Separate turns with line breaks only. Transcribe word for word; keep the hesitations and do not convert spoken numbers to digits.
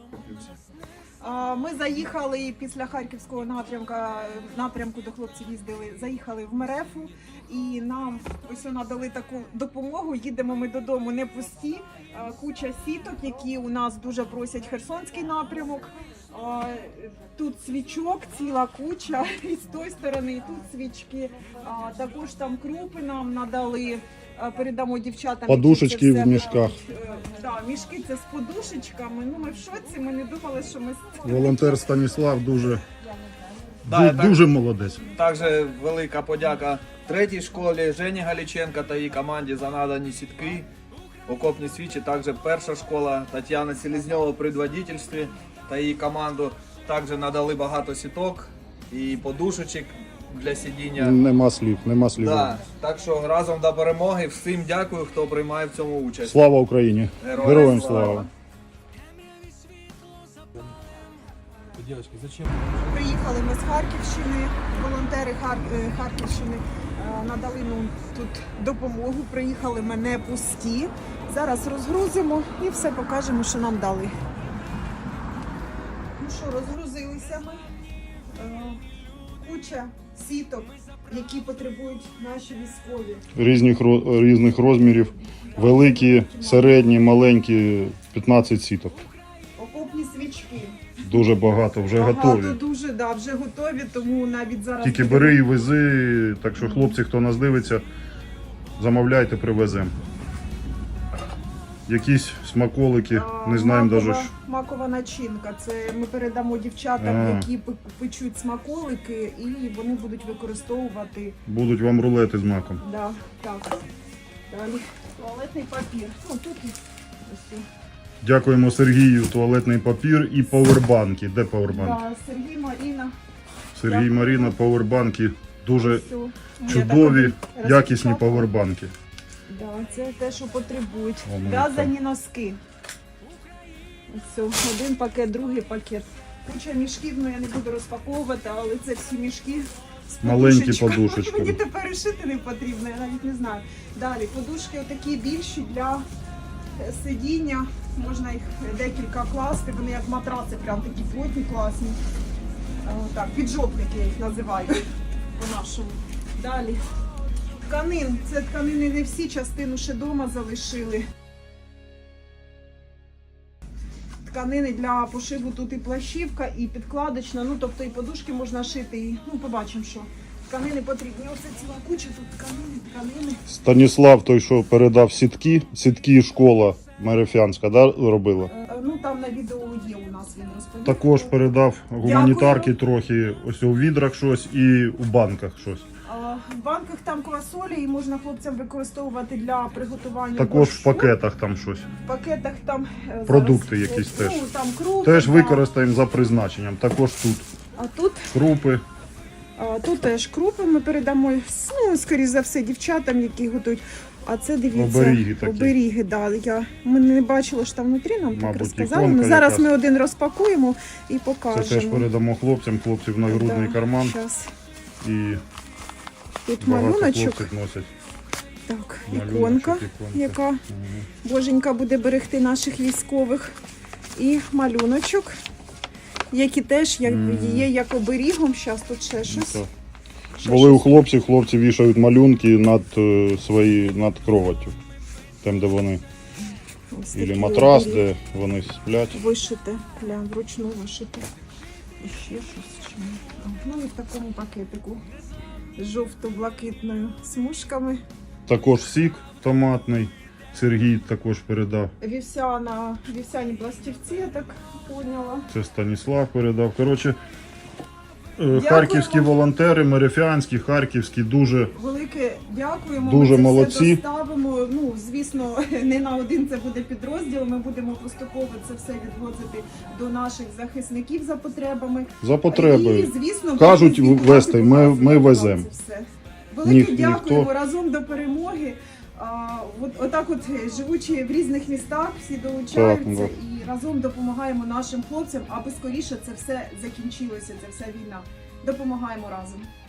Ми заїхали після Харківського напрямка, напрямку до хлопців їздили, заїхали в Мерефу і нам ось надали таку допомогу. Їдемо ми додому не пусті, куча сіток, які у нас дуже просять Херсонський напрямок. Тут свічок, ціла куча, і з тої сторони, і тут свічки. Також там крупи нам надали, передамо дівчатам.
Подушечки в мішках.
Так, мішки це з подушечками. Ну, ми в шоці, ми не думали, що ми...
Волонтер Станіслав дуже,
Да,
ду- дуже молодець.
Також велика подяка третій школі Жені Галіченка та її команді за надані сітки, окопні свічі. Також перша школа Тетяна Селезньова при предводительстві та її команду. Також надали багато сіток і подушечок для сидіння.
Нема слів, нема слів.
Да. Так що разом до перемоги. Всім дякую, хто приймає в цьому участь.
Слава Україні!
Героям
Героям
слава!
слава!
Девочки, зачем?
Приїхали ми з Харківщини, волонтери Хар... е, Харківщини е, надали нам тут допомогу. Приїхали ми не пусті. Зараз розгрузимо і все покажемо, що нам дали. Ну що, розгрузилися ми. Е, Куча сіток, які потребують наші військові.
Різних, ро- різних розмірів, великі, середні, маленькі, п'ятнадцять сіток.
Окопні свічки.
Дуже багато, вже
Багато
готові.
дуже, да, вже готові, тому навіть зараз...
Тільки бери і вези, так що хлопці, хто нас дивиться, замовляйте, привеземо. Якісь смаколики,
А,
не знаємо
макова,
навіть.
макова начинка. Це ми передамо дівчатам,
А.
які пе- печуть смаколики, і вони будуть використовувати.
Будуть вам рулети з маком.
Да, так. Далі туалетний папір. Ну тут і ось.
Дякуємо Сергію, туалетний папір і павербанки. Де павербанки?
Да, Сергій, Маріна.
Сергій,
Дякую.
Маріна, павербанки. Дуже
Все.
чудові,
Я
якісні
так-
павербанки.
Да, це те, що потребують.
О, ну,
В'язані носки. Ось один пакет, другий пакет. Куча мішків, ну я не буду розпаковувати, але це всі мішки з
Маленькі
подушечками.
подушечки.
Мені тепер і шити не потрібно, я навіть не знаю. Далі, подушки отакі більші для е, сидіння. Можна їх декілька класти, вони як матраци, прям такі плотні, класні. Е, Так, піджопники я їх називаю по-нашому. Далі. Тканин. Це тканини не всі, частину ще вдома залишили. Тканини для пошиву тут і плащівка, і підкладочна, ну тобто і подушки можна шити, і ну побачимо, що тканини потрібні. Оце ціла куча тут тканини, тканини.
Станіслав, той, що передав сітки, сітки школа Мерефянська, да, робила?
Е, Ну там на відео є у нас, він розповідає.
Також передав гуманітарки трохи, ось у відрах щось і у банках щось.
А, В банках там квасолі і можна хлопцям використовувати для приготування
Також в
борщу.
пакетах там щось.
В пакетах там е,
Продукти
зараз,
якісь
ну,
теж.
там крупи,
Теж
да.
використаємо за призначенням. Також тут
А тут
крупи.
А, Тут теж крупи ми передамо, ну, скоріш за все, дівчатам, які готують. А це, дивіться,
Оберіги такі.
оберіги, да. Я, ми не бачили, що там внутрі, нам так
Мабуть,
розказали.
іконка
Ну, зараз
якась.
ми один розпакуємо і
Це
покажемо.
теж передамо хлопцям, хлопців на грудний
Да,
карман.
щас.
І
Тут
багато
малюночок,
хлопців носять.
так,
Малюночок,
іконка,
іконка.
яка
Мгм.
боженька буде берегти наших військових. І малюночок, які теж як,
Мгм.
є як оберігом. Зараз тут ще щось.
Так.
Ще
Були у
щось.
хлопців, хлопці вішають малюнки над е, свої над кроваттю. Там, де вони.
Ось
Ілі
такі
матрас,
оберіги.
де вони сплять.
Вишите, гля, вручну вишите. І ще щось. Чи ні? Ну і в такому пакетику з жовто-блакитною смужками.
Також сік томатний. Сергій також передав.
Вівсяна, вівсяні пластівці, я так поняла.
Це Станіслав передав. Коротше, е, харківські волонтери, мерефянські, харківські, дуже
Велике дякуємо.
Дуже
ми це
молодці.
все доставимо. Ну, звісно, не на один це буде підрозділ. Ми будемо поступово це все відвозити до наших захисників за потребами.
за потреби.
І, звісно,
Кажуть,
будемо
вести, ми-
показувати
ми
вам
веземо.
це все. Велике
Ніх-
дякуємо,
ніхто.
разом до перемоги. А, от, отак от, живучи в різних містах, всі долучаються
Так,
і разом допомагаємо нашим хлопцям, аби скоріше це все закінчилося, ця вся війна. Допомагаємо разом.